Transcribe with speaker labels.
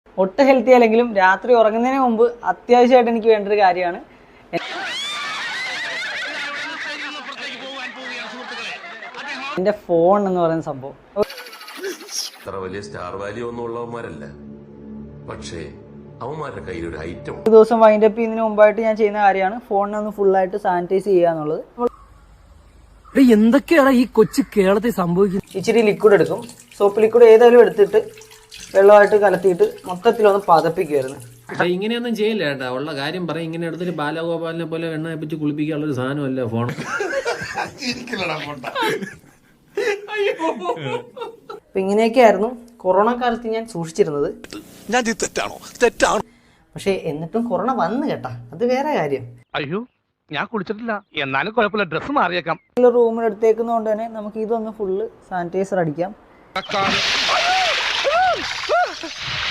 Speaker 1: ഒട്ടും ഹെൽത്തി അല്ലെങ്കിലും രാത്രി ഉറങ്ങുന്നതിന് മുമ്പ് അത്യാവശ്യമായിട്ട് എനിക്ക് വേണ്ട ഒരു കാര്യമാണ് എൻ്റെ ഫോൺ എന്ന് പറയുന്ന സംഭവം.
Speaker 2: അത്ര വലിയ സ്റ്റാർ വാല്യൂ ഒന്നും ഉള്ളവന്മാരല്ല, പക്ഷേ അവന്മാരുടെ കയ്യിൽ ഒരു ഐറ്റം.
Speaker 1: ഒരു ദിവസം വൈൻഡപ്പ് ചെയ്യുന്നതിന് മുമ്പായിട്ട് ഞാൻ ചെയ്യുന്ന കാര്യമാണ് ഫോണിനെ ഒന്ന് ഫുള്ളായിട്ട് സാനിറ്റൈസ് ചെയ്യുക എന്നുള്ളത്.
Speaker 3: എന്തൊക്കെയാണ് ഈ കൊച്ചു കേരളത്തിൽ സംഭവിക്കുന്നത്?
Speaker 1: ഇച്ചിരി ലിക്വിഡ് എടുക്കും, സോപ്പ് ലിക്വിഡ് ഏതായാലും എടുത്തിട്ട് വെള്ളമായിട്ട് കലത്തിയിട്ട് മൊത്തത്തിലൊന്ന് പതപ്പിക്കുമായിരുന്നു.
Speaker 4: ഇങ്ങനെയൊന്നും ചെയ്യില്ല കേട്ടാ, ഉള്ള കാര്യം പറയും. ഇങ്ങനെ എടുത്തിട്ട് ബാലഗോപാലിനെ പോലെ എണ്ണ വെച്ച് കുളിപ്പിക്കാനുള്ളൊരു സാധനമല്ല ഫോൺ.
Speaker 1: അപ്പൊ ഇങ്ങനെയൊക്കെയായിരുന്നു കൊറോണ കാലത്ത് ഞാൻ സൂക്ഷിച്ചിരുന്നത്. പക്ഷെ എന്നിട്ടും കൊറോണ വന്നു കേട്ടാ, അത് വേറെ കാര്യം.
Speaker 5: അയ്യോ, ഞാൻ കുളിച്ചിട്ടില്ല, എന്നാലും കുഴപ്പമില്ല, ഡ്രസ്സ് മാറിയേക്കാം.
Speaker 1: റൂമിൽ എടുത്തേക്കുന്നതുകൊണ്ട് തന്നെ നമുക്ക് ഇതൊന്ന് ഫുള്ള് സാനിറ്റൈസർ അടിക്കാം.